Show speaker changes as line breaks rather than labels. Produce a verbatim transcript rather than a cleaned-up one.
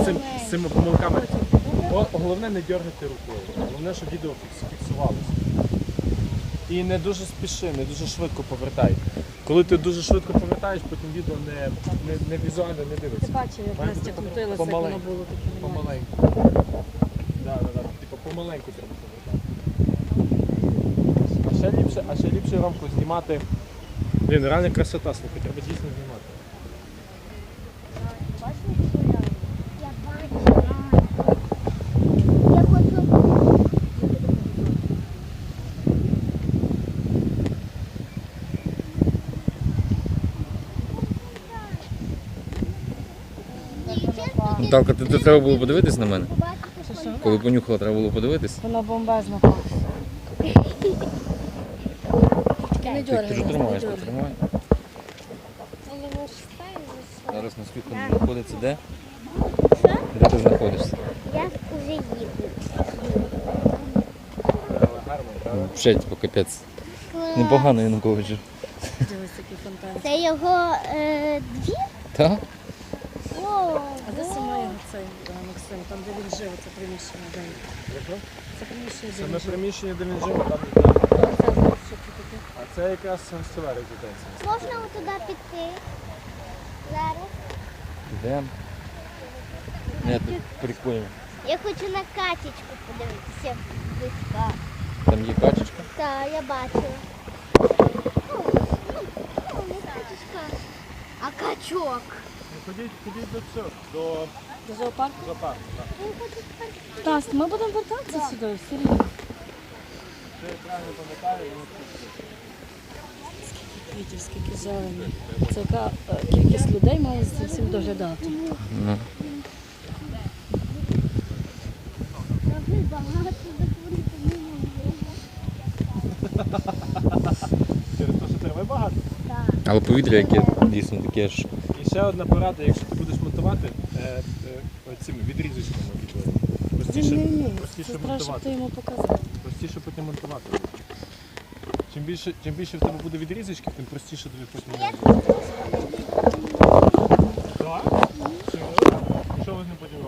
цим, з цими помилками. О, головне не дергати рукою. Головне, щоб відео фіксувалося. І не дуже спіши, не дуже швидко повертай. Коли ти дуже швидко повертаєш, потім відео не, не, не візуально не дивиться.
Ти бачив, як
Має
Настя
бути
крутилася, як воно було таке.
Помаленьку. Да, да, да. Типу помаленьку треба повертати. А ще ліпше, а ще ліпше рамку знімати. Блін, реально красота, слухай, треба дійсно знімати.
Я бачу. Я хочу.
Наталка, ти тут треба було подивитись на мене?
Що, що?
Коли понюхала, треба було подивитись?
Воно бомбезно пахне. Тільки не
Ти,
дергай,
ти ж
не
тримаєш, ти
дергай.
тримай. Зараз на світло знаходиться де? Де ти знаходишся?
Я вже їду.
Взагалі, типу, капець. Непогано Януковичу.
Дивись, який фонтан.
Це його е, двір?
Так?
О,
А де саме його цей е, Максим? Там, де він жив, це приміщення, де він?
Яке?
Це приміщення, де
Це
він
на
жив.
приміщенні, де він жив, там,
Це, знаєш, що це таке?
а це якраз гостьова резиденція.
можна туди піти? Зараз.
Йдемо. Ні, тут прикольно.
Я хочу на качечку подивитися близька.
Там є качечка.
Так, я бачила. О, о, не качечка. А качок.
Ну, ходіть, ходіть до цього, до
До зоопарку?
зоопарку. так.
Я хочу тепер.
Тас, ми будемо вертатися сюди, все рівно.
Це я правильно пам'ятаю, воно тут.
Квітів, скільки зелені. Це яка е, кількість людей має за всім доглядати.
Ну.
Трави багато, заходити не можу.
Через те, що трави багато.
Так.
Але повітря, яке дійсно таке ж.
І ще одна порада, якщо ти будеш монтувати е, е, цими відрізочками відео. Простіше,
Ні, це
простіше
треба, щоб
монтувати.
ти йому показав.
Простіше потім монтувати. Чим більше, чим більше в тебе буде відрізочки, тим простіше тобі потім. Так? Що ви з ним потім робите?